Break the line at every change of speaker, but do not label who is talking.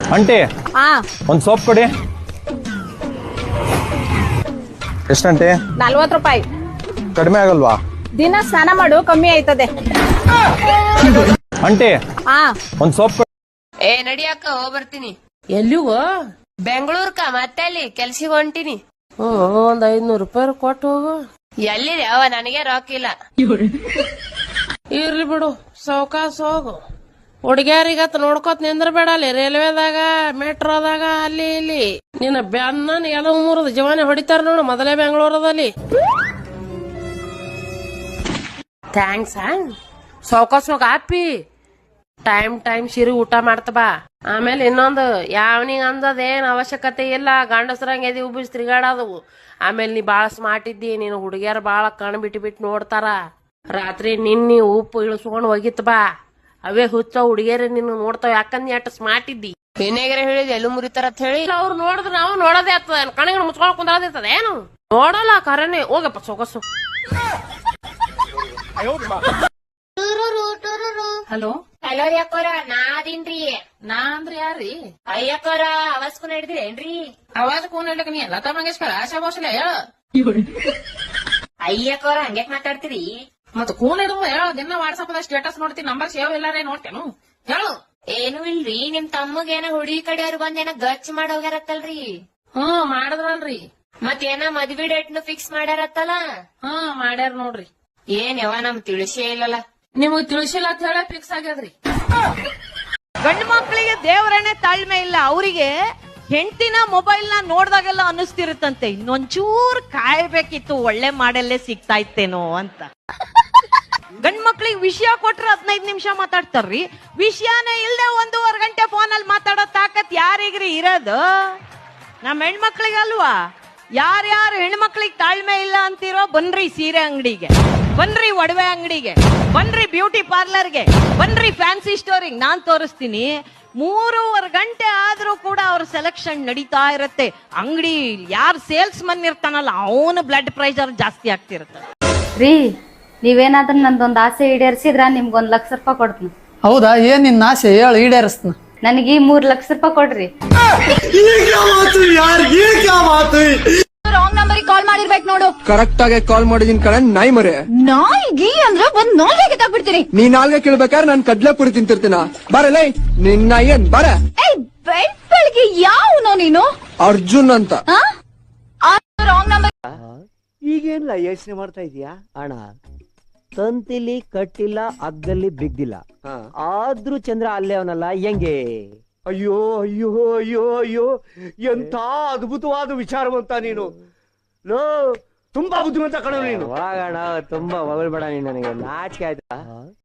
Aunty
ಹಾ
ಒಂದ್ soap ಕೊಡಿ. ಎಷ್ಟಂಟಿ?
40 ರೂಪಾಯಿ.
ಕಡಿಮೆ ಆಗಲ್ವಾ?
ದಿನ ಸ್ನಾನ ಮಾಡು, ಕಮ್ಮಿ ಆಯ್ತದೆ.
ಆಂಟಿ
ಹಾ
ಒಂದ್ ಸೋಪ್ ಕೊಡಿ.
ಏ ನಡಿಯಕ್ಕ ಬರ್ತೀನಿ. ಎಲ್ಲಿಗೋ? ಬೆಂಗಳೂರ್ಕ ಮತ್ತೆ ಅಲ್ಲಿ ಕೆಲ್ಸಿಗೆ ಹೊಂಟಿನಿ. ಒಂದ್ 500 ರೂಪಾಯಿ ಕೊಟ್ಟು ಹೋಗು. ಎಲ್ಲಿದೆ ಅವ? ನನಗೆ ರೊಕ್ಕಿಲ್ಲ. ಇರ್ಲಿ ಬಿಡು, ಸಾವ್ಕಾಸ್ ಹೋಗು. ಹುಡುಗ್ಯಾರಿಗತ್ ನೋಡ್ಕೋತ ನಿಂದ್ರಬೇಡ ಅಲ್ಲಿ ರೈಲ್ವೆದಾಗ, ಮೆಟ್ರೋದಾಗ, ಅಲ್ಲಿ ಇಲ್ಲಿ. ನಿನ್ನ ಬೆನ್ನ ಎಲ್ಲ ಮುರಿದ ಜವಾನಿ ಹೊಡಿತಾರ ನೋಡು, ಮೊದಲೇ ಬೆಂಗಳೂರದಲ್ಲಿ. ಥ್ಯಾಂಕ್ಸ್. ಸಾವ್ಕಾಸ್ ಹೋಗ ಆಪಿ. ಟೈಮ್ ಸಿರಿ ಊಟ ಮಾಡ್ತ ಬಾ. ಆಮೇಲೆ ಇನ್ನೊಂದು, ಯಾವನಿಗೆ ಅಂದದೇನ್ ಅವಶ್ಯಕತೆ ಇಲ್ಲ, ಗಂಡಸ್ರಂಗ ಎದಿ ಉಬ್ಬಿಸ್ ತಿರ್ಗಾಡೋದು. ಆಮೇಲೆ ನೀ ಬಾಳ ಸ್ಮಾರ್ಟ್ ಇದ್ದಿ, ನೀನು ಹುಡುಗಿಯರ್ ಬಾಳ ಕಣ್ ಬಿಟ್ಟು ನೋಡ್ತಾರ. ರಾತ್ರಿ ನಿನ್ನಿ ಉಪ್ಪು ಇಳಿಸ್ಕೊಂಡ್ ಹೋಗಿತ್ ಬಾ. ಅವೇ ಹುಚ್ಚ ಹುಡುಗಿಯರ ನಿನ್ನ ನೋಡ್ತಾವ, ಯಾಕಂದ್ ಎಟ್ ಸ್ಮಾರ್ಟ್ ಇದ್ದಿ. ಏನೇಗರ ಹೇಳಿದ್ ಎಲ್ಲೂ ಮುರಿತಾರ ಅಂತ ಹೇಳಿ ಅವ್ರು ನೋಡಿದ್ರ ನಾವು ನೋಡೋದೇ ಆಗ್ತದ. ಕಣಗ ಮುಚ್ಕೊಂಡ್ ಕುಂದ್ರದಿರ್ತದ ಏನು? ನೋಡಲ್ಲ ಕರನೆ. ಹೋಗಪ್ಪ ಸೊಗಸು.
ಹಲೋ
ಹಲೋ ರೀ ಅಕ್ಕೋರ, ನಾ ಅದೀನ್ರಿ.
ನಾ ಅಂದ್ರ ಯಾರ್ರಿ?
ಅಯ್ಯಕ್ಕೋರ ಅವಸ್ಕು ನಡೆದ್ರೇನ್ರಿ?
ಅವಾಜ್ ಕೂನ್ ಇಡ್ಲಕ್ ನೀ ಲತಾ ಮಂಗೇಶ್ಕರ್, ಆಶಾ ಭೋಸಲೆ ಹೇಳ.
ಅಯ್ಯಕ್ಕೋರ ಹಂಗ್ಯಾಕ್ ಮಾತಾಡ್ತೀರಿ?
ಮತ್ ಕೂನ್ ಇಡುವ ಹೇಳ. ದಿನ ವಾಟ್ಸಪ್ ದಾಗ ಸ್ಟೇಟಸ್ ನೋಡ್ತೀನಿ, ನಂಬರ್ ಸೇವ್ ಇಲ್ಲಾರೆ ನೋಡ್ತೇನು ಹೇಳು.
ಏನು ಇಲ್ರಿ, ನಿಮ್ ತಮ್ಮಗೇನ ಹುಡುಗಿ ಕಡೆಯವ್ರು ಬಂದೇನ ಗಚ್ ಮಾಡ್ ಹೋಗ್ಯಾರತ್ತಲ್ರಿ?
ಮಾಡಿದ್ರಲ್ರಿ.
ಮತ್ತೇನ ಮದ್ವಿ ಡೇಟ್ನು ಫಿಕ್ಸ್ ಮಾಡ್ಯಾರತ್ತಲ್ಲ?
ಮಾಡ್ಯಾರ ನೋಡ್ರಿ.
ಏನ್ ಯಾವ ನಮ್ ತಿಳಿಸೇ ಇಲ್ಲಲ್ಲ.
ನಿಮಗ್ ತಿಳಿಸಿಲ್ಲ ಅಂತ ಹೇಳ ಫಿಕ್ಸ್ ಆಗ್ಯದ್ರಿ.
ಗಂಡು ಮಕ್ಕಳಿಗೆ ದೇವರನ್ನೇ ತಾಳ್ಮೆ ಇಲ್ಲ. ಅವರಿಗೆ ಹೆಂಡತಿನ ಮೊಬೈಲ್ ನ ನೋಡ್ದಾಗೆಲ್ಲ ಅನ್ನಿಸ್ತಿರುತ್ತಂತೆ, ಇನ್ನೊಂಚೂರ್ ಕಾಯ್ಬೇಕಿತ್ತು, ಒಳ್ಳೆ ಮಾಡೆಲ್ಲೇ ಸಿಗ್ತಾ ಇತ್ತೇನೋ ಅಂತ. ಗಂಡ್ ಮಕ್ಳಿಗೆ ವಿಷಯ ಕೊಟ್ರೆ 15 ನಿಮಿಷ ಮಾತಾಡ್ತಾರ್ರಿ. ವಿಷಯನೇ ಇಲ್ದೆ 1.5 ಗಂಟೆ ಫೋನಲ್ಲಿ ಮಾತಾಡೋ ತಾಕತ್ ಯಾರಿಗ್ರಿ ಇರೋದು? ನಮ್ಮ ಹೆಣ್ಮಕ್ಳಿಗೆ ಅಲ್ವಾ? ಯಾರ್ಯಾರು ಹೆಣ್ಮಕ್ಳಿಗೆ ತಾಳ್ಮೆ ಇಲ್ಲ ಅಂತಿರೋ, ಬನ್ರಿ ಸೀರೆ ಅಂಗಡಿಗೆ, ಬನ್ರಿ ಒಡವೆ ಅಂಗಡಿಗೆ, ಬನ್ರಿ ಬ್ಯೂಟಿ ಪಾರ್ಲರ್ಗೆ, ಬನ್ರಿ ಫ್ಯಾನ್ಸಿ ಸ್ಟೋರಿಗೆ. ನಾನ್ ತೋರಿಸ್ತೀನಿ. 3.5 ಗಂಟೆ ಆದ್ರೂ ಕೂಡ ಅವ್ರ ಸೆಲೆಕ್ಷನ್ ನಡೀತಾ ಇರತ್ತೆ. ಅಂಗಡಿ ಯಾರು ಸೇಲ್ಸ್ ಮನ್ ಇರ್ತಾನಲ್ಲ, ಅವನು ಬ್ಲಡ್ ಪ್ರೆಷರ್ ಜಾಸ್ತಿ ಆಗ್ತಿರತ್ತೆ.
ರೀ, ನೀವೇನಾದ್ರೂ ನಂದೊಂದ್ ಆಸೆ ಈಡೇರಿಸಿದ್ರ ನಿಮ್ಗೊಂದ್ 1 ಲಕ್ಷ ರೂಪಾಯಿ ಕೊಡ್ತೀನಿ.
ಹೌದಾ? ಏನ್ ನಿನ್ನ ಆಸೆ ಹೇಳು, ಈಡೇರಿಸ್ತೀನಿ.
ನನಗೆ 3 ಲಕ್ಷ ರೂಪಾಯಿ ಕೊಡ್ರಿ.
ರಾಂಗ್ ನಂಬರ್ ಕಾಲ್ ಮಾಡಿರ್ಬೇಕು ನೋಡು.
ಕರೆಕ್ಟ್ ಆಗಿ ಕಾಲ್ ಮಾಡಿದೀನಿ ಕಣ, ನಾಯಿ ಮರೆ.
ನಾಯಿಗಿ ಅಂದ್ರೆ ಒಂದ್ ನಾಲ್ಗೆ ಕಿತ್ತಾಕ್ಬಿಡ್ತೀನಿ.
ನೀ ನಾಲ್ಗೆ ಕೇಳ್ಬೇಕಾದ್ರೆ ನಾನ್ ಕಡ್ಲೆಪುರಿ ತಿಂತಿರ್ತೀನ. ಬರಲ್ಲ ನಿನ್ನ ಏನ್ ಬರ.
ಬೆಳಿಗ್ಗೆ ಯಾವನೋ ನೀನು?
ಅರ್ಜುನ್ ಅಂತ.
Wrong number.
ಈಗೇನಿಲ್ಲ ಯೋಚನೆ ಮಾಡ್ತಾ ಇದೀಯಾ ಅಣ್ಣ? ತಂತಿಲಿ ಕಟ್ಟಿಲ್ಲ, ಹಗ್ಗಲ್ಲಿ ಬಿದ್ದಿಲ್ಲ, ಆದ್ರೂ ಚಂದ್ರ ಅಲ್ಲೇ ಅವನಲ್ಲ, ಹೆಂಗೆ?
ಅಯ್ಯೋ ಅಯ್ಯೋ ಅಯ್ಯೋ ಅಯ್ಯೋ, ಎಂತ ಅದ್ಭುತವಾದ ವಿಚಾರವಂತ ನೀನು. ಲೋ, ತುಂಬಾ ಬುದ್ಧಿವಂತ ಕಣ ನೀನು.
ಹೋಗೋಣ, ತುಂಬಾ ಹೊಗಳ್ಬೇಡ ನೀನು, ನನಗೆ ನಾಚಿಕೆ ಆಯ್ತಾ?